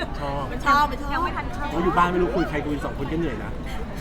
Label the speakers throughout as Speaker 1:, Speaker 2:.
Speaker 1: ชอบ
Speaker 2: มันชอบยังไม่ทันชอบ
Speaker 1: เราอยู่บ้านไม่รู้คุยใครคุย2 คนก็เหนื่อยนะ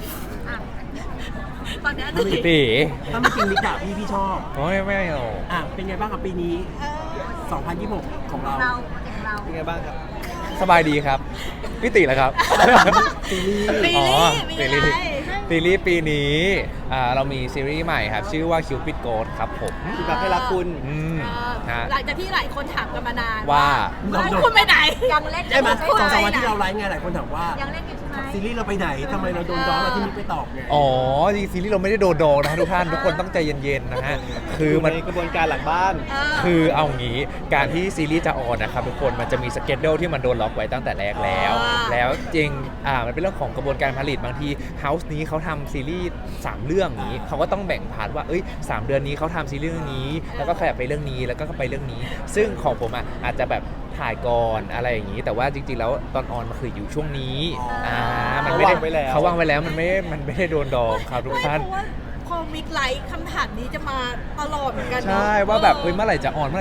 Speaker 2: ตอนนี้
Speaker 1: ถ้าไม่
Speaker 3: ตี
Speaker 1: ถ้าไม่จริงลิกะพี่ชอบ
Speaker 3: โอ้ยไม่หรอก
Speaker 1: เป็นไงบ้างกับปีนี้ 2026 ของเรา
Speaker 2: เราเรา
Speaker 4: เป็นไงบ้างครับ
Speaker 3: สบายดีครับพี่ติเหรอครับ
Speaker 1: ซีรีส์
Speaker 2: ปี
Speaker 3: อ๋อ
Speaker 2: นี้
Speaker 3: ซีรีส์ซีรีส์ปีนี้เรามีซีรีส์ใหม่ครับ ชื่อว่า Cupid Ghost ครับผม
Speaker 4: คือแบบให้รักคุณ
Speaker 3: ฮะ
Speaker 2: หลังจากที่หลายคนถามกันมานาน
Speaker 3: ว่า
Speaker 2: คุณไปไหนยังเล่น
Speaker 1: ใช่ไหม
Speaker 2: คุณ
Speaker 1: 2-3
Speaker 2: ไป
Speaker 1: วัน
Speaker 2: ไหน
Speaker 1: ที่เราไลฟ์ไงหลายคนถามว่า
Speaker 2: ยังเล่นอยู่ใช่ไหม
Speaker 1: ซีรีส์เราไปไหนทำไมเราโดนร้องเราที่มิกไปตอบไง
Speaker 3: อ๋อจริงๆซีรีส์เราไม่ได้โดนดองนะทุกท่านทุกคนต้องใจเย็นๆนะฮะคือมัน
Speaker 4: ในกระบวนการหลังบ้าน
Speaker 3: คือเอางี้การที่ซีรีส์จะออนนะครับทุกคนมันจะมีสเกจเดลที่มันโดนล็อกไว้ตั้งแต่แรกแล้ว แล้วจริงมันเป็นเรื่องของกระบวนการผลิตบางทีเฮาส์นี้เขาทำซีรีส์3 เรื่องนี้เขาก็ต้องแบ่งพาร์ทว่า3 เดือนนี้เขาทำซีรีส์เรื่องนี้ แล้วก็ขยับไปเรื่องนี้แล้วก็ไปเรื่องนี้ ซึ่งของผมอาจจะแบบถ่ายก่อนอะไรอย่างนี้ แต่ว่าจริงๆแล้วตอนออนมันคืออยู่ช่วงนี้มันไม่ได้
Speaker 4: เขาวางไว้แล้ว
Speaker 3: มันไม่ได้โดนดองครับทุกท่าน
Speaker 2: เพราะว่าพอมิกไลท์คำถามนี้จะมาตลอดเหมือนกันเนอะ
Speaker 3: ใช่ว่าแบบเมื่อไหร่จะออน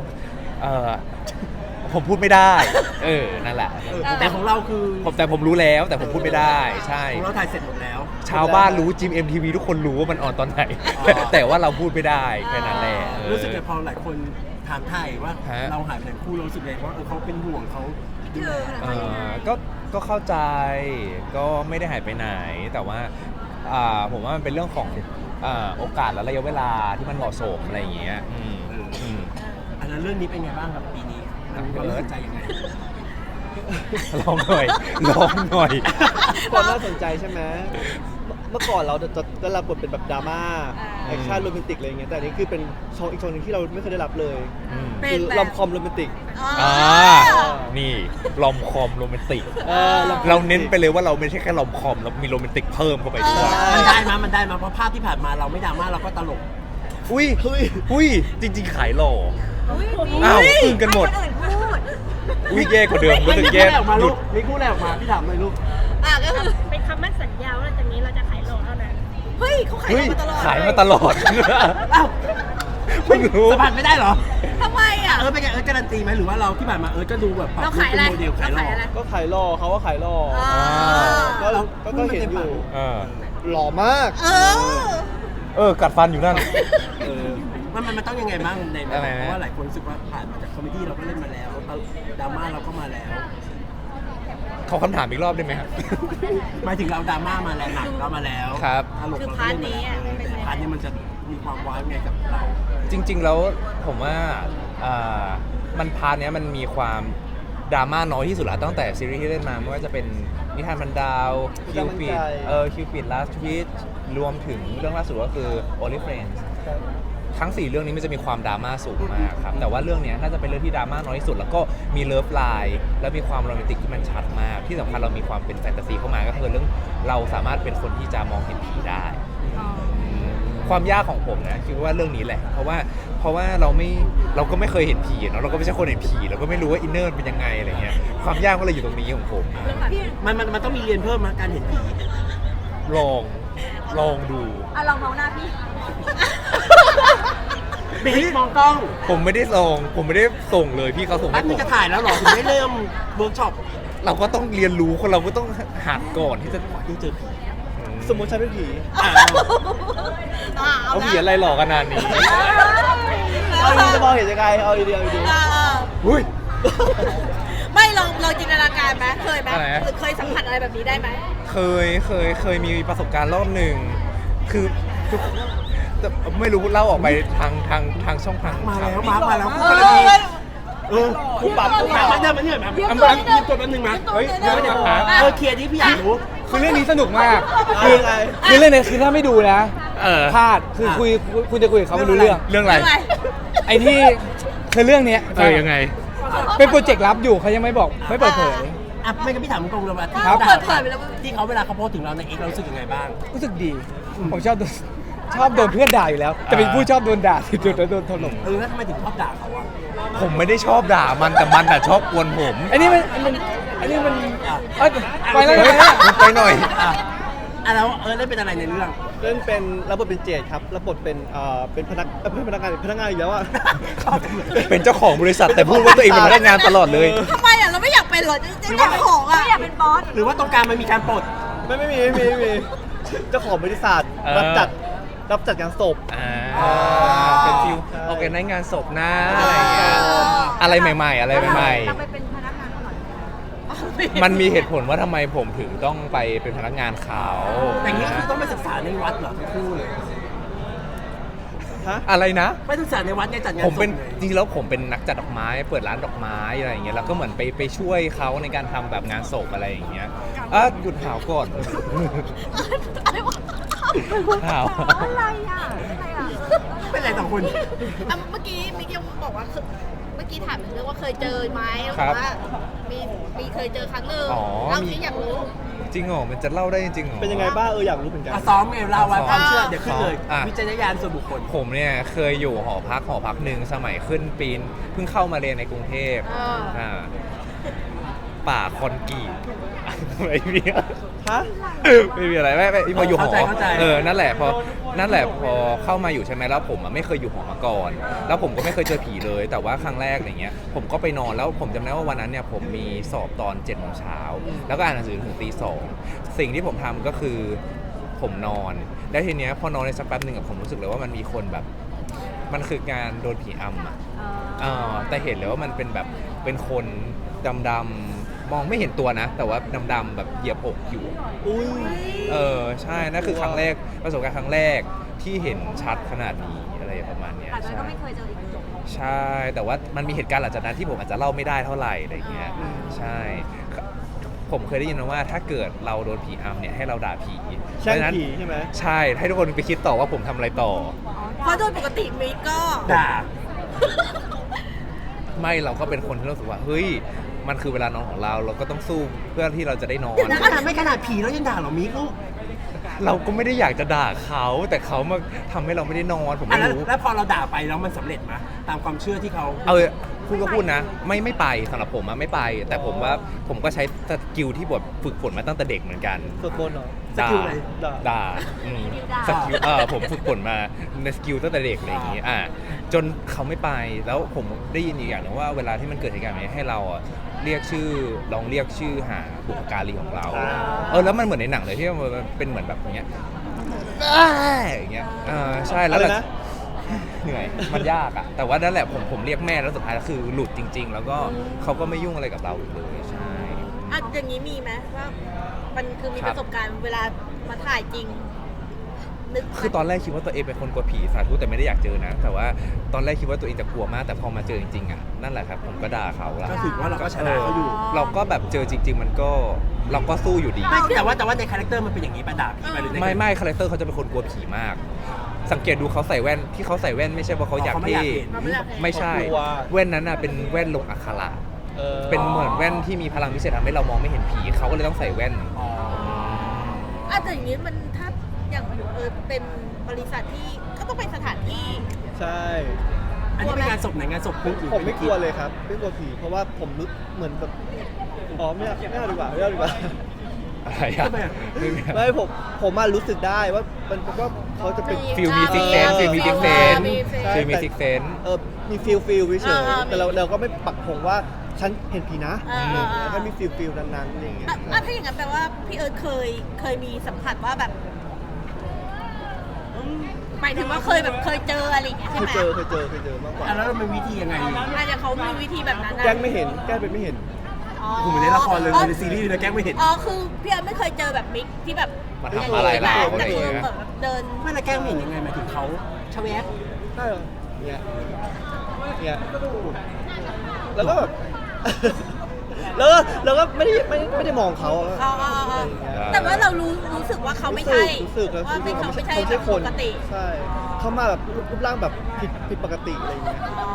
Speaker 3: ผมพูดไม่ได้นั่นแหละ
Speaker 1: แต่ของเราคือ
Speaker 3: แต่ผมรู้แล้วแต่ผมพูดไม่ได้ใช่
Speaker 1: ของเราถ่ายเสร็จหมดแล้ว
Speaker 3: ชาวบ้านรู้จิม MTV ทุกคนรู้ว่ามันออนตอนไหน แต่ว่าเราพูดไม่ได้แค่นั้นแหละ
Speaker 1: รู้สึกไงพอหลายคนถามไทยว่า
Speaker 3: ฮะ
Speaker 1: เราหายไปไหนคู่เรารู้สึกไงว่าเขาเป็นห่วงเขาดูแล
Speaker 3: ก็เข้าใจก็ไม่ได้หายไปไหน แต่ว่าผมว่ามันเป็นเรื่องของโอกาสและระยะเวลาที่มันเหมาะสมอะไรอย่างเงี้ย
Speaker 1: อันนั้นเรื่องนี้เป็นไงบ้างครับปีนี้มันความรู้สึกใจยังไง
Speaker 3: ลองหน่อย
Speaker 4: ความน่าสนใจใช่ไหมเมื่อก่อนเราจะได้รับบทเป็นแบบดราม่าแอคชั่นโรแมนติกอะไรอย่างเงี้ยแต่อันนี้คือเป็นช่องอีกช่องหนึงที่เราไม่เคยได้รับเลย
Speaker 2: เป็
Speaker 4: คื
Speaker 2: น
Speaker 4: อ
Speaker 2: แบบ
Speaker 4: ลอมคอมโรแมนติก
Speaker 3: นี่ลอมคอมโรแมนติก
Speaker 4: ลอมคอม
Speaker 3: เราเน้นไปเลยว่าเราไม่ใช่แค่ลอมคอมเรามีโรแมนติกเพิ่มเข้าไปด้วย
Speaker 1: มันได้มาเพราะภาพที่ผ่านมาเราไม่ดราม่าเราก็ตลก
Speaker 3: อุ้ยจริงๆขายหล่อ
Speaker 2: อุ๊ย
Speaker 3: อ้าวอึ้งกันหมด
Speaker 2: ให้คอื่นพูด
Speaker 3: อุ้ยแย่กว่าเดิมรู้สึกแย่
Speaker 1: ออกมา
Speaker 3: ห
Speaker 1: ลู
Speaker 3: ยุ
Speaker 1: ก
Speaker 3: ด
Speaker 1: มีคู่แรกออกมาพี่ถามเลยลูก
Speaker 2: ก็คือ
Speaker 5: เป็นคำมั่นสัญญาว่าหลังจากนี้เราจะขายโลเท่านั้น
Speaker 2: เฮ้ยเขาขาย
Speaker 3: เฮ้ย
Speaker 2: มาตลอด
Speaker 3: ขายมาตลอด
Speaker 1: อ้าว
Speaker 3: เพิ่งรู้
Speaker 1: สัมผัสไม่ได้เหรอ
Speaker 2: ทำไมอ่ะ
Speaker 1: เป็นไงการันตีไหมหรือว่าเราที่ผ่านมาก็ดูแบบปรับ
Speaker 2: เรา
Speaker 1: ลุค
Speaker 2: ขาย
Speaker 1: เป็
Speaker 2: อะไร
Speaker 1: นโมเดลขายหล่อ
Speaker 2: อะไร
Speaker 4: ก็ขายหล่อเขาว่าขายหล่อ ก็
Speaker 1: เรา
Speaker 4: ก็เห็นอยู่ หล่อมาก
Speaker 3: กัดฟันอยู่นั่น
Speaker 1: มันต้องยังไงบ้างใน
Speaker 3: อะไรนะ
Speaker 1: เพราะว่าหลายคนรู้สึกว่าผ่านมาจากคอมเมดี้เราก็เล่นมาแล้วดราม่าเราก็มาแล้ว
Speaker 3: เขาคำถามอีกรอบได้ไหมครับ
Speaker 1: หมายถึงเราดราม่ามาแล้วหนักเรามาแล้ว
Speaker 3: ครับ
Speaker 1: ตลก
Speaker 2: คือ
Speaker 1: เรา
Speaker 2: พาร์ท
Speaker 1: ก็เล่น
Speaker 2: นี้
Speaker 1: มา
Speaker 2: อ่ะ
Speaker 1: แล้ว
Speaker 2: เป็น
Speaker 1: แต่
Speaker 2: ไง
Speaker 1: พาร์ทนี้มันจะมีความว้าวไงกับเรา
Speaker 3: จริง ๆ แล้วผมว่ามันพาร์ทเนี้ยมันมีความดราม่าน้อยที่สุดละตั้งแต่ซีรีส์ที่เล่นมาไม่ว่าจะเป็นนิทานพันดาวคิวปิดลาสวิชรวมถึงเรื่องล่าสุดก็คือ Only Friends ทั้ง 4 เรื่องนี้มันจะมีความดราม่าสูงมากครับ แต่ว่าเรื่องเนี้ยน่าจะเป็นเรื่องที่ดราม่าน้อยที่สุด แล้วก็มีเลิฟไลน์และมีความโรแมนติกที่มันชัดมาก ที่สำคัญเรามีความเป็นแฟนตาซีเข้ามาก็คือเรื่องเราสามารถเป็นคนที่จะมองเห็นผีได้ ความยากของผมนะคิดว่าเรื่องนี้แหละ เพราะว่าเราก็ไม่เคยเห็นผีเนาะเราก็ไม่ใช่คนเห็นผีเราก็ไม่รู้ว่าอินเนอร์เป็นยังไงอะไรเงี้ยความยากก็เลยอยู่ตรงนี้ของผม
Speaker 1: มันต้องมีเรียนเพิ่มมาการเห็นผี
Speaker 3: ลองดู
Speaker 2: ลองมองหน้าพี่
Speaker 1: บิ๊กมองกล้อง
Speaker 3: ผมไม่ได้ส่งเลยพี่เขาส่ง
Speaker 1: แป๊
Speaker 3: ให้
Speaker 1: บ
Speaker 3: ผ
Speaker 1: นึง
Speaker 3: ม
Speaker 1: จะถ่ายแล้วเหรอถึงได้เริ่มเวิร์กช็อป
Speaker 3: เราก็ต้องเรียนรู้คนเราก็ต้องหัดก่อนที่จะ
Speaker 1: ดูเจอผี
Speaker 4: สมมติฉันเป็นผี
Speaker 3: เอาผีอะไรหลอกขนาดนี้
Speaker 4: เอาดีจะมองเห็นยังไง เอาดีเอาดี
Speaker 3: อุ้ย
Speaker 2: ไม่ลองจินตนาการไหมเคยไหม
Speaker 3: อะไรนะ
Speaker 2: หรือเคยสัมผัสอะไรแบบนี้ได้ไหม
Speaker 3: เคยมีประสบการณ์รอบหนึ่งคือแต่ไม่รู้เล่าออกไปทางช่องทาง
Speaker 1: มาแล้ว
Speaker 3: ข่ว
Speaker 1: มาแล้ว
Speaker 2: เอ
Speaker 1: คู่กัน
Speaker 2: อ
Speaker 1: ดีคู่ปรับมาได้มาเนี่ยมามีตัวแป๊บนึงมา
Speaker 3: เฮ้ย
Speaker 1: เดี๋ยวเคลียร์ที่พี่อยากรู้
Speaker 6: คือเรื่องนี้สนุกมาก
Speaker 4: คื
Speaker 6: คือ อ
Speaker 4: อะไร
Speaker 6: คือเรื่องนี้คือถ้าไม่ดูนะ พลาดคือ
Speaker 1: อ่ะ
Speaker 6: คุณจะคุยกับเขาไม่รู้เรื่อง
Speaker 3: เรื่องอะไร
Speaker 6: ไอ้ที่คือเรื่องเนี้ย
Speaker 3: ยังไง
Speaker 6: เป็นโปรเจกต์ลับอยู่เขายังไม่บอกไม่เปิดเผย
Speaker 1: ไม่งั้นพี่ถามตรงเลยว่าที่
Speaker 6: ครับ
Speaker 1: เขา
Speaker 2: เปิดเผยไปแล้ว
Speaker 1: ที่เขาเวลาเขาโพสถึงเราในเอ็กเรารู้สึกยังไงบ้าง
Speaker 6: รู้สึกดี ผมชอบโดนเพื่อนด่าอยู่แล้ว แต่เป็นผู้ชอบโดนด่าที่โดนถล่ม
Speaker 1: แล้วทำไมถึงชอบด่าเขาอ่ะ
Speaker 3: ผมไม่ได้ชอบด่ามันแต่มันชอบกวนผม
Speaker 6: อันนี้มันเอ้ยไปแล้ว
Speaker 3: เฮ้ย ไปหน่อย
Speaker 1: แล้วเล่นเป็นอะไรในเรื่อง
Speaker 4: เล่นเป็นรับบทเป็นเจดครับรับบทเป็นพนักงานอีกแล้วอ่ะ
Speaker 3: เป็นเจ้าของบริษัทแต่พูดว่าตัวเองเป็นพนักงานตลอดเลย
Speaker 2: ทำไมอ่ะเราไม่อยากเป็นหรอจะได้ของอ่ะอยากเป็นบอส
Speaker 1: หรือว่าตรงกลางมันมีการปลด
Speaker 4: ไม่มีเจ้าของบริษัทรับจัดงานศพ
Speaker 3: เป็นฟิว
Speaker 4: ใช่
Speaker 3: ออกกันในงานศพนะอะไรอย่างเงี้ยอะไรใหม่ๆ อะไรใหม่
Speaker 2: เราไปเป็นพนักงานก่อน
Speaker 3: ๆ มันมีเหตุผลว่าทำไมผมถึงต้องไปเป็นพนักงานเขา
Speaker 1: แต่อย่างนี้คือต้องไปศึกษาในวัดเหรอทั้งคู่เลย
Speaker 4: ฮะ
Speaker 3: อะไรนะ
Speaker 1: ไปศึกษาในวัดในจัดงาน
Speaker 3: ผมเป็น
Speaker 1: ศพลย
Speaker 3: จริงๆแล้วผมเป็นนักจัดดอกไม้ เปิดร้านดอกไม้อะไรอย่างเงี้ยแล้วก็เหมือนไปช่วยเขาในการทำแบบงานศพอะไรอย่างเงี้ยหยุดหาวก่อน
Speaker 2: อะไรวะ
Speaker 3: หาว
Speaker 2: อะไรอ่ะอะไรอ่ะ
Speaker 1: เป็นไรสองคน
Speaker 2: เมื่อกี้มิกยังบอกว่าเมื่อกี้ถามถึงเรื่องว่าเคยเจอไหม
Speaker 3: ครับ
Speaker 2: ว่ามีเคยเจอครั้งหนึ่ง
Speaker 3: อ๋อ
Speaker 2: เราที่อยากรู้
Speaker 3: จริงเหรอมันจะเล่าได้จริงเหรอ
Speaker 4: เป็นยังไงบ้างอยากรู้เหมือนกัน
Speaker 1: อ่ะซ้อมไงเราไว้ความเชื่อเดี๋ยวขึ้นเลย
Speaker 3: อ่ะ
Speaker 1: วิจารณญาณส่วนบุคคล
Speaker 3: ผมเนี่ยเคยอยู่หอพักหนึ่งสมัยขึ้นปีนเพิ่งเข้ามาเรียนในกรุงเทพ
Speaker 2: อ่า
Speaker 3: ป่าคอนกรีตไม่มี
Speaker 4: ฮะ
Speaker 3: ไม่มีอะไรไม่พออยู่หอ
Speaker 1: เข้าใจ
Speaker 3: นั่นแหละพอเข้ามาอยู่ใช่ไหมแล้วผมไม่เคยอยู่หอมาก่อน แล้วผมก็ไม่เคยเจอผีเลย แต่ว่าครั้งแรกอย่างเงี้ยผมก็ไปนอนแล้วผมจำได้ว่าวันนั้นเนี่ยผมมีสอบตอน7 โมงเช้าแล้วก็อ่านหนังสือถึงตี 2สิ่งที่ผมทำก็คือผมนอนแล้วทีเนี้ยพอนอนในสักแป๊บหนึ่งอะผมรู้สึกเลยว่ามันมีคนแบบมันคือการโดนผีอำอะแต่เห็นเลยว่ามันเป็นแบบเป็นคนดำๆมองไม่เห็นตัวนะ แต่ว่าดำๆแบบเหยียบอกอยู่
Speaker 4: อุ้ย
Speaker 3: ใช่นั่นคือครั้งแรกประสบการณ์ครั้งแรกที่เห็นชัดขนาดนี้อะไรประมาณเนี้ย
Speaker 2: แต่นั้นก็ไม่เคยเจออีกเลย
Speaker 3: ใช่ แต่ว่ามันมีเหตุการณ์หลังจากนั้นที่ผมอาจจะเล่าไม่ได้เท่าไหร่อะไรเงี้ยใช่ ผมเคยได้ยินมาว่าถ้าเกิดเราโดนผีอำเนี่ยให้เราด่าผี
Speaker 4: แช่ง
Speaker 3: เพราะฉะนั้น
Speaker 4: ผีใช่ไหม
Speaker 3: ใช่ให้ทุกคนไปคิดต่อว่าผมทำอะไรต่อ
Speaker 2: เพราะโดยปกติมิกก็
Speaker 1: ด่า
Speaker 3: ไม่เราก็เป็นคนที่รู้สึกว่าเฮ้ยมันคือเวลานอนของเราเราก็ต้องสู้เพื่อที่เราจะได้นอน
Speaker 1: เดี๋ยวนะขนาดไม่ขนาดผีแล้วยังด่าเหรอมิกลูก
Speaker 3: เราก็ไม่ได้อยากจะด่าเขาแต่เขามาทำให้เราไม่ได้นอนผม
Speaker 1: อ่ะ
Speaker 3: ไม่
Speaker 1: แล้ว
Speaker 3: รู้
Speaker 1: แล้วพอเราด่าไปแล้วมันสำเร็จไหมตามความเชื่อที่เขา
Speaker 3: พูดก็พูดนะ ไม่ไปสำหรับผมอะไม่ไป แต่ผมว่าผมก็ใช้สกิลที่บทฝึกฝนมาตั้งแต่เด็กเหมือนกัน
Speaker 4: สวดมนต์เหรอ
Speaker 1: สกิลอะไร
Speaker 3: ด่าสกิลผมฝึกฝนมาในสกิลตั้งแต่เด็กอะไรอย่างงี้จนเขาไม่ไปแล้วผมได้ยินอีกอย่างหนึงว่าเวลาที่มันเกิดเหตุการณ์แบบนี้ให้เราอะเรียกชื่อลองเรียกชื่อหาบุพการีของเราแล้วมันเหมือนในหนังเลยที่มันเป็นเหมือนแบบอย่างเงี้ยอย่างเงี้ยใช่แล้ว
Speaker 4: อะไรนะ
Speaker 3: เหนื่อยมันยากอะแต่ว่านั่นแหละผมเรียกแม่แล้วสุดท้ายแล้วคือหลุดจริง ๆ แล้วก็เขาก็ไม่ยุ่งอะไรกับเราอีกเลยใช่
Speaker 2: อ่ะอย่างนี้มีไหมว่ามันคือมี
Speaker 3: ครั
Speaker 2: ป
Speaker 3: บ
Speaker 2: ระสบการณ์เวลามาถ่ายจริง นึกไหม
Speaker 3: คือตอนแรกคิดว่าตัวเองเป็นคนกลัวผีสาธุแต่ไม่ได้อยากเจอนะ แต่ว่าตอนแรกคิดว่าตัวเองจะกลัวมากแต่พอมาเจอจริงๆอะนั่นแหละครับผมก็ด่าเขาละ
Speaker 1: ก็ถือว่าเราก็ชนะเขาอยู่
Speaker 3: เราก็แบบเจอจริง ๆ มันก็เราก็สู้อยู่ดี
Speaker 1: ไม่แต่ว่าในคาแรคเตอร์มันเป็นอย่างนี้ป่ะด่าผีไปหรือใน
Speaker 3: ไม่คาแรคเตอร์เขาจะเป็นคนกลัวผีมาก สังเกตดูเขาใส่แว่นที่เขาใส่แว่นไม่ใช่ว่าเขาอยาก
Speaker 1: เขาไม่
Speaker 3: เท่
Speaker 1: อยากเห็น
Speaker 3: ไม่ใช่
Speaker 4: เขากลัว
Speaker 3: แว่นนั้นน่ะเป็นแว่นลงอักขระเป็นเหมือนแว่นที่มีพลังพิเศษทำให้เรามองไม่เห็นผีเขาก็เลยต้องใส่แว่น
Speaker 1: อ๋อ
Speaker 2: อ่ะแต่อย่างนี้มันถ้าอย่างเป็นบริษัทที่ก็ต้องเป็นสถานที่
Speaker 4: ใช่
Speaker 1: อันนี้เป็นงานศพไหนงานศพปุ๊บหรือ
Speaker 4: ผมไม่กลัวเลยครับไม่กลัวผีเพราะว่าผมรู้เหมือนแบบอ๋อไม่เอาดีกว่าไม่เอาดีกว่า
Speaker 3: อะไรอะไม่มี
Speaker 4: ไม่ผมมารู้สึกได้ว่ามันว่าเขาจะเป็น
Speaker 3: ฟิลมีซิกเซนฟิลมีซิกเซน
Speaker 4: ใช่
Speaker 3: ฟิลมีซิกเซน
Speaker 4: มีฟิลเฉย
Speaker 2: อ่า
Speaker 4: ๆแต่เราก็ไม่ปักธงว่าฉันเห็นผีนะ
Speaker 2: อ่า
Speaker 4: แล้วก็มีฟิลนั้นๆอะไรอย่างเงี้ย
Speaker 2: อ่ะถ้าอย่างนั้นแปลว่าพี่เอิร์ธเคยมีสัมผัสว่าแบบหมายถึงว่าเคยเจออะไรอย่างเงี้ย
Speaker 4: เค
Speaker 2: ใช่
Speaker 4: ย
Speaker 2: ไหม
Speaker 4: เจอมากกว่า
Speaker 1: อ่ะแล้วมันวิธียังไง
Speaker 2: อาจจะเขามีวิธีแบบนั้นนะ
Speaker 4: แกล้งไม่เห็นแกล้งเป็นไม่เห็น
Speaker 2: อ๋อ
Speaker 1: ผมเหมือนในละครเลยในซีรีส์เลยแกล้งไม่เห็น
Speaker 2: อ๋อคือพี่เอิร์ธไม่เคยเจอแบบมิกที่แบบ
Speaker 3: มาทำอะไรเราอะไร
Speaker 2: แต่
Speaker 3: อย่าง
Speaker 2: คือ
Speaker 3: เงี้ย
Speaker 2: แบบเดิน
Speaker 1: ไม่ละแกล้งไม่เห็นยังไงหมายถึงเขาชะแวบ
Speaker 4: ใช่เหรอเนี่ยแล้วก็แบบ แล้วก็ไม่ได้มองเขาอะ
Speaker 2: อ๋อแต่ว่าเรารู้สึกว่าเขาไม่ใช่
Speaker 4: รู้สึก
Speaker 2: ว่าไม่เขาไม่ใช่
Speaker 4: เขา
Speaker 2: แบบ
Speaker 4: คน
Speaker 2: ปกติ
Speaker 4: ใช่เขามาแบบรูปร่างแบบผิดปกติอะไรอย่างเงี้ย
Speaker 2: อ๋อ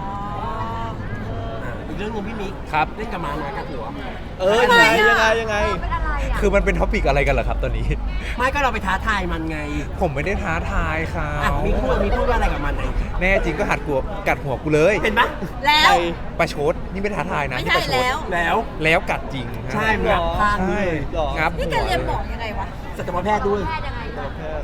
Speaker 1: อีกเรื่องหนึงพี่มิก
Speaker 3: ครับ
Speaker 1: เล่นกับม้าน้อยกับหัว
Speaker 4: ยังไง
Speaker 2: เป็นอะไรอ่ะ
Speaker 3: คือมันเป็นท็อปิกอะไรกันเหรอครับตอนนี้
Speaker 1: ไม่ก็เราไปท้าทายมันไง
Speaker 3: ผมไม่ได้ท้าทายเขา
Speaker 1: อ่ะมีพูดว่าอะไรกับมันไหน
Speaker 3: แน่จริงก็กัดหัวกูเลย
Speaker 1: เห็นไหม
Speaker 2: แล้ว
Speaker 3: ประชดนี่ไม่ท้าทายนะ
Speaker 2: ไม่
Speaker 3: นี่
Speaker 2: ใช่
Speaker 3: ประชด
Speaker 2: แล้ว
Speaker 1: แล้ว
Speaker 3: แล้วกัดจริง
Speaker 1: ใช่มันงับข้าง
Speaker 3: ใช่
Speaker 1: เลย
Speaker 3: งับ
Speaker 2: นี่แกเรียนหมอยังไงวะ
Speaker 1: สัตวแพทย์ด้วย
Speaker 2: แพทย์ยังไง
Speaker 4: แพทย์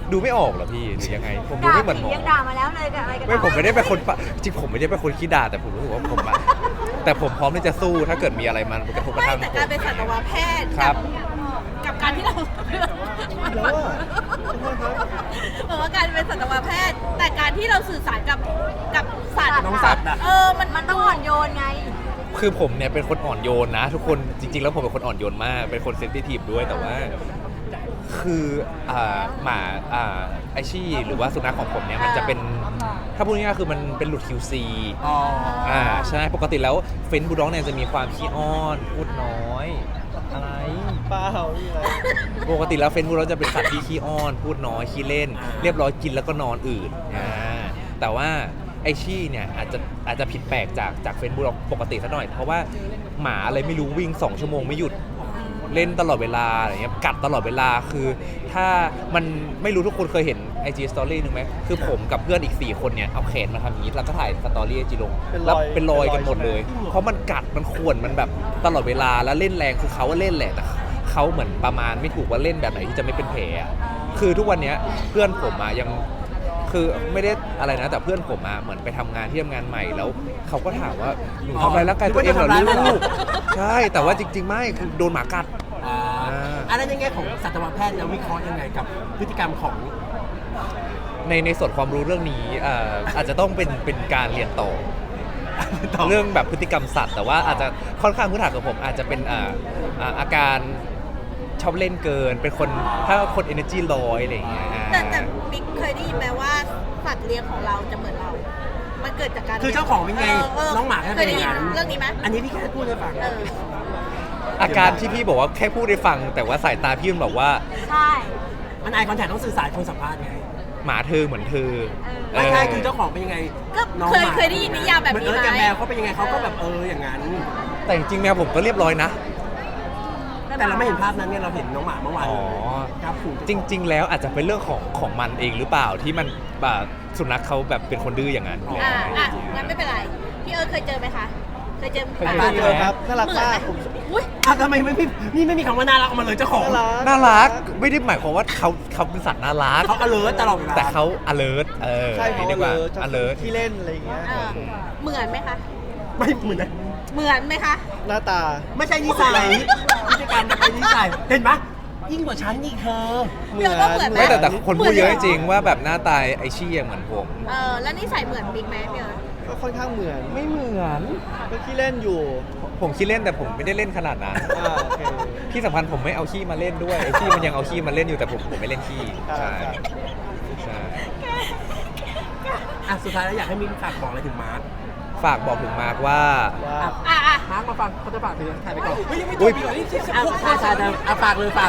Speaker 3: ดูไม่ออกเหรอพี่หรือยังไงผมดูไม่เหมือนหมอ
Speaker 7: ยังด่ามาแล้วเลยกับอะไรกัน
Speaker 3: ไม่ผมไม่ได้เป็นคนจริงผมไม่ได้เป็นคนขี้ด่าแต่ผมรู้สึกว่าผมอะแต่ผมพร้อมที่จะสู้ถ้าเกิดมีอะไรมันกระทบกระ
Speaker 2: ไม่
Speaker 3: ทั่ง
Speaker 2: แต่
Speaker 3: ผ
Speaker 2: การ
Speaker 3: ม
Speaker 2: เป็นสัตวแพทย์
Speaker 3: ครับ
Speaker 2: กับการที่เรา
Speaker 4: แล้วอ่ะขอโทษครับ
Speaker 2: บอกว่าการเป็นสัตวแพทย์ แต่การที่เราสื่อสารกับสัตว์
Speaker 1: น้องสัตว์อะ
Speaker 2: มัน
Speaker 7: ต้องอ่อนโยนไง
Speaker 3: คือผมเนี่ยเป็นคนอ่อนโยนนะ ทุกคนจริง ๆ แล้วผมเป็นคนอ่อนโยนมากเป็นคนเซนซิทีฟด้วยแต่ว่า คือหมาไอชี่หรือว่าสุนัขของผมเนี่ยมันจะเป็นถ้าพูดง่ายๆคือมันเป็นหลุด QC
Speaker 1: อ๋อ
Speaker 3: ใช่ปกติแล้วเฟนบูลด็อกเนี่ยจะมีความขี้อ้อนพูดน้อยอะไร
Speaker 4: เปล่านี่อะไร
Speaker 3: ปกติแล้วเฟนบูลด็อกจะเป็นสัตว์ที่ขี้อ้อนพูดน้อยขี้เล่น เรียบร้อยกินแล้วก็นอนอื่นแต่ว่าไอชี่เนี่ยอาจจะผิดแปลกจากเฟนบูลด็อกปกติสักหน่อยเพราะว่าหมาอะไรไม่รู้วิ่ง2 ชั่วโมงไม่หยุดเล่นตลอดเวลาอะไรเงี้ยกัดตลอดเวลาคือถ้ามันไม่รู้ทุกคนเคยเห็น IG Story นึงไหมคือผมกับเพื่อนอีก4 คนเนี่ยเอาแขนมาทำอย่างนี้แล้วก็ถ่ายสตอรี่ IG ลงแล้วเป็นรอยกันหมดเลย เพราะมันกัดมันข่วนมันแบบตลอดเวลาแล้วเล่นแรงคือเขาว่าเล่นแหละแต่เขาเหมือนประมาณไม่ถูกว่าเล่นแบบไหนที่จะไม่เป็นแผลอะคือทุกวันเนี้ยเพื่อนผมอะยังคือไม่ได้อะไรนะแต่เพื่อนผมอะเหมือนไปทำงานที่ทำงานใหม่แล้วเขาก็ถามว่าหนูทำอะไรร่างกายตัวเองเหรอลูกใช่แต่ว่าจริงๆไม่คือโดนหมากัด
Speaker 1: อะไรในแง่ของสัตวแพทย์แล้ววิเคราะห์ยังไงกับพฤติกรรมของ
Speaker 3: ในส่วนความรู้เรื่องนี้อาจจะต้องเป็นการเรียนต่อ เรื่องแบบพฤติกรรมสัตว์แต่ว่าอาจจะค่อนข้างพื้นฐานของผมอาจจะเป็นอาการชอบเล่นเกินเป็นคนถ้าคน energy ร้อยอะไรอย่างเงี้ย
Speaker 2: แต่บิ๊กเคยได้ยินไหมว่าสัตว์เลี้ยงของเราจะเหมือนเรา มันเกิดจากการ
Speaker 1: คือเจ้าของเป็นไงน้องหมาก็
Speaker 2: เค
Speaker 1: เป็
Speaker 2: ย
Speaker 1: น
Speaker 2: ได้
Speaker 1: อย่าง
Speaker 2: ยิน
Speaker 1: นั้น
Speaker 2: เรื่องนี้ไหม
Speaker 1: อันนี้พี่แค่พูดให้ฟัง
Speaker 3: อาการที่พี่บอกว่าแค่พูดได้ฟัง แต่ว่าสายตาพี่มันบอกว่า
Speaker 7: ใช่
Speaker 1: มันไอคอนแทคต้องสื่อสารคนสัมภาษณ์ไง
Speaker 3: หมาเธอเหมือนเธอ
Speaker 1: ไม่ใช่คือเจ้าของเป็นยังไง
Speaker 2: ก็
Speaker 1: น้อง
Speaker 2: เคย
Speaker 1: หมา
Speaker 2: เคยได้ยินนิยามแบบนี้
Speaker 1: เหมือน
Speaker 2: ไหม
Speaker 1: กับแมวเขาเป็นยังไงเขาก็แบบอย่างนั้น
Speaker 3: แต่จริงๆแมวผมก็เรียบร้อยนะ
Speaker 1: แต่เราไม่เห็นภาพนั้นไงเราเห็นน้องหมาเมื่อวาน
Speaker 3: อ๋อ
Speaker 1: ครับผม
Speaker 3: จริง ๆ แล้วอาจจะเป็นเรื่องของมันเองหรือเปล่าที่มันสุนัขเขาแบบเป็นคนดื้ออย่างนั้น
Speaker 2: งั้นไม่เป็นไร พี่เคยเจอไหมคะ เคยเจอ
Speaker 3: เคย
Speaker 2: หมา
Speaker 4: เจอครับน่ารักมากผม
Speaker 2: อุ้ย
Speaker 1: ทำไมไม่มีคำว่าน่ารักออกมาเลยเจ้าของ
Speaker 3: น่ารักไม่ได้หมายความว่าเขาเป็นสัตว์น่ารัก
Speaker 1: เขา alert ตลอดเวลา
Speaker 3: แต่เขา alert
Speaker 4: ใช่เขา
Speaker 3: ดีกว่า
Speaker 4: เลย
Speaker 3: alert
Speaker 4: ที่เล่นอะไรอย่างเงี้ย
Speaker 2: เหมือนไหมคะ
Speaker 1: ไม่เหมือนนะ
Speaker 2: เหมือนไหมคะ
Speaker 4: หน้าตา
Speaker 1: ไม่ใช่นิสัยพฤติกรรมเป็นนิสัยเห็นปะยิ่งกว่าฉันอีกเธอ
Speaker 2: เดี๋ยวก็เหมือนไหม
Speaker 3: ไม่แต่คนพูดเยอะจริงๆว่าแบบหน้าตาไอชี่เหมือนผม
Speaker 2: แล้วนิสัยเหมือนบิ๊กไหมพี่
Speaker 4: ก็ค่อนข้างเหมือน
Speaker 3: ไม่เหมือน
Speaker 4: ก็ขี้เล่นอยู่
Speaker 3: ผมขี้เล่นแต่ผมไม่ได้เล่นขนาดนั้น
Speaker 4: โอเค
Speaker 3: ที่สำคัญผมไม่เอาขี้มาเล่นด้วยไอชี่มันยังเอาขี้มาเล่นอยู่แต่ผมไม่เล่นขี้ใช่ใช่
Speaker 1: อ่ะสุดท้ายแล้วอยากให้มิ้นฝากบอกอะไรถึงมาร์ค
Speaker 3: ฝากบอกถึงมาร์คว่า
Speaker 4: ว่า
Speaker 1: มาร์คมาฟังเขาจะฝากถึงถ่ายไปก่อนเฮ้ยยังไม่จ
Speaker 3: อุ๊
Speaker 1: บ
Speaker 3: ย
Speaker 1: อีกเหรอนี่ใช่ฝากเลยฝาก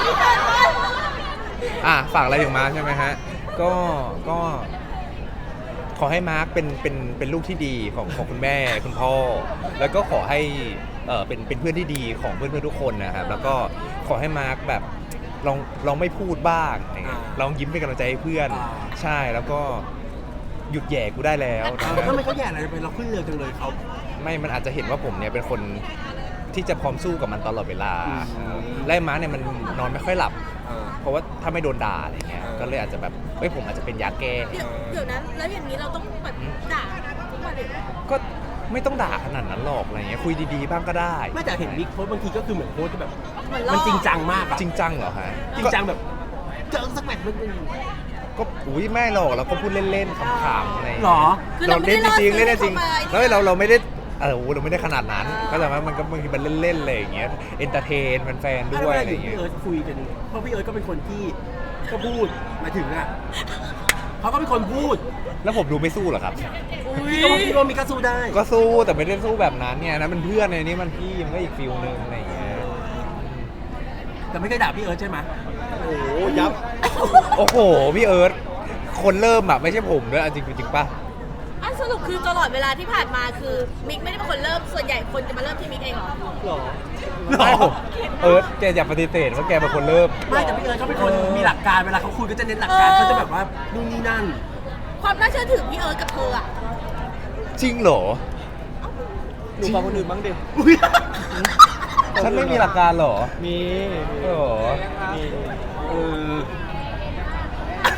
Speaker 3: ฝากอะไรถึงมาร์คใช่ไหมฮะก็ขอให้มาร์คเป็นลูกที่ดีของคุณแม่คุณพ่อ แล้วก็ขอให้เป็นเพื่อนที่ดีของเพื่อนๆทุกคนนะครับแล้วก็ขอให้มาร์คแบบลองไม่พูดบ้างอะไรเงี้ยลองยิ้มเป็นกำลังใจให้เพื่อนใช่แล้วก็หยุดแย่กูได้แล้วนะ
Speaker 1: ทำไมเขาแย่อะไรไปเราขึ้นเรือจังเลยเขา
Speaker 3: ไม่มันอาจจะเห็นว่าผมเนี่ยเป็นคนที่จะพร้อมสู้กับมันตลอดเวลาไล่ม้าเนี่ยมันนอนไม่ค่อยหลับ เพราะว่าถ้าไม่โดนด่าอะไรเงี้ยก็เลยอาจจะแบบผมอาจจะเป็นยาแก้
Speaker 2: เดี๋ยวนั้นแล้วอย่างนี้เราต้องแบบด่าทุกวันเลย
Speaker 3: ก็ไม่ต้องด่าขนาดนั้นหรอกอะไรเงี้ยคุยดีๆบ้างก็ได้
Speaker 1: ไม่แต่เห็นบิ๊กโพสต์บางทีก็คือเหมือนโพสต์แบบ
Speaker 2: เหมือนล่อ
Speaker 1: มันจริงจังมากอะ
Speaker 3: จริงจังเหรอฮะ
Speaker 1: จริงจังแบบเจอสักแมตช์มันเป็น
Speaker 3: ก็อุ้ยไม่หรอกเราก็พูดเล่นๆขำๆอะไร
Speaker 1: หรอ
Speaker 2: คือ
Speaker 3: เรา
Speaker 2: เราไม่
Speaker 3: เล่
Speaker 2: ได้
Speaker 3: นจริงๆเล่นจริง
Speaker 2: ล่อซื้อ
Speaker 3: แล้ว
Speaker 2: เข้ามา
Speaker 3: เราไม่ได้เราไม่ได้ขนาดนั้นก็แต่ว่ามันก็บางทีมันเล่นๆอะไรอย่างเงี้ยเอนเตอร์เทนแฟนๆด้วยอะไรอย่างเงี้
Speaker 1: พี่
Speaker 3: ย
Speaker 1: เอิร์ธคุยกันเพราะพี่เอิร์ธก็เป็นคนที่ก็พูดมาถึงอ่ะเขาก็เป็นคนพูด
Speaker 3: แล้วผมดูไม่สู้เหรอครับ
Speaker 1: พี่ก็มีกระสู้ได้
Speaker 3: ก็สู้แต่ไม่ได้สู้แบบนั้นเนี่ยนะมันเพื่อนในนี้มันพี่มันก็อีกฟิลนึงอะไรอย่างเงี้ย
Speaker 1: แต่ไม่เคยด่าพี่เอิร์ธใช่ไหม
Speaker 4: โอ้โหยับ
Speaker 3: โอ้โหพี่เอิร์ธคนเริ่มอะไม่ใช่ผมด้วยจริงจริงป่ะ
Speaker 2: สรุปคือตลอดเวลาที่ผ่านมาคือมิกไม่ได้เป็นคนเริ่มส่วนใหญ่คนจะมาเริ่มที่มิกเองเหรอ
Speaker 4: หรอ
Speaker 3: ไม่ผมเอิร์ธแกอย่าปฏิเสธว่าแกเป็นคนเริ่ม
Speaker 1: ไม่แต่พี่เอิร์ธเขาเป็นคนมีหลักการเวลาเขาคุยก็จะเน้นหลักการเขาจะแบบว่านู่นนี่นั่น
Speaker 2: ความน่าเชื่อถือพี่เอิร์ธกับเธออะ
Speaker 3: จริงเหรอ
Speaker 4: หนูฟังคนอื่นบ้างดิ
Speaker 3: ฉันไม่มีหลักการเหรอ
Speaker 4: มี
Speaker 3: เหรอ
Speaker 4: มี
Speaker 1: เออ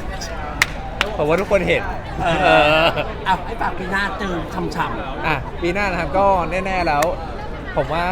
Speaker 3: ผมว่าทุกคนเห็น
Speaker 1: เอาไอ้ฝากปีหน้าเจอช่ำ
Speaker 3: อ่ะปีหน้านะครับก็แน่ๆแล้ว ผมว่า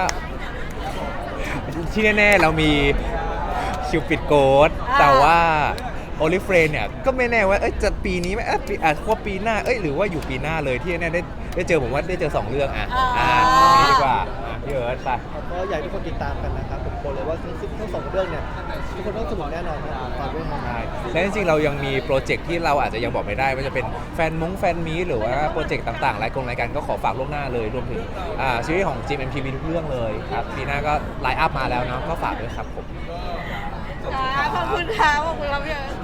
Speaker 3: ที่แน่ๆเรามีคิวปิดโกดแต่ว่าโอลิเฟรนเนี่ยก็ไม่แน่ว่าจะปีนี้ไหมว่าปีหน้าหรือว่าอยู่ปีหน้าเลยที่แน่ได้เจอผมว่าได้เจอ2เรื่องนี่ดีกว่าพี่เอิร์ธไป
Speaker 4: ก็อยากให้ทุกคนติดตามกันนะครับผมบอกเลยว่าทั้งสองเรื่องเนี่ยทุกคนต้องสนุกแน่นอนครับฝากด้วยครับ
Speaker 3: ใช่และจริงๆเรายังมีโปรเจกต์ที่เราอาจจะยังบอกไม่ได้ว่าจะเป็นแฟนมีหรือว่าโปรเจกต์ต่างๆรายการก็ขอฝากล่วงหน้าเลยรวมถึงซีรีส์ของ GMMTV ทุกเรื่องเลยครับปีหน้าก็ไลน์อัพมาแล้วเนาะก็ฝากด้วยครับผม
Speaker 2: ขอบคุณค่ะขอบคุณครับพี่เอิร์ธ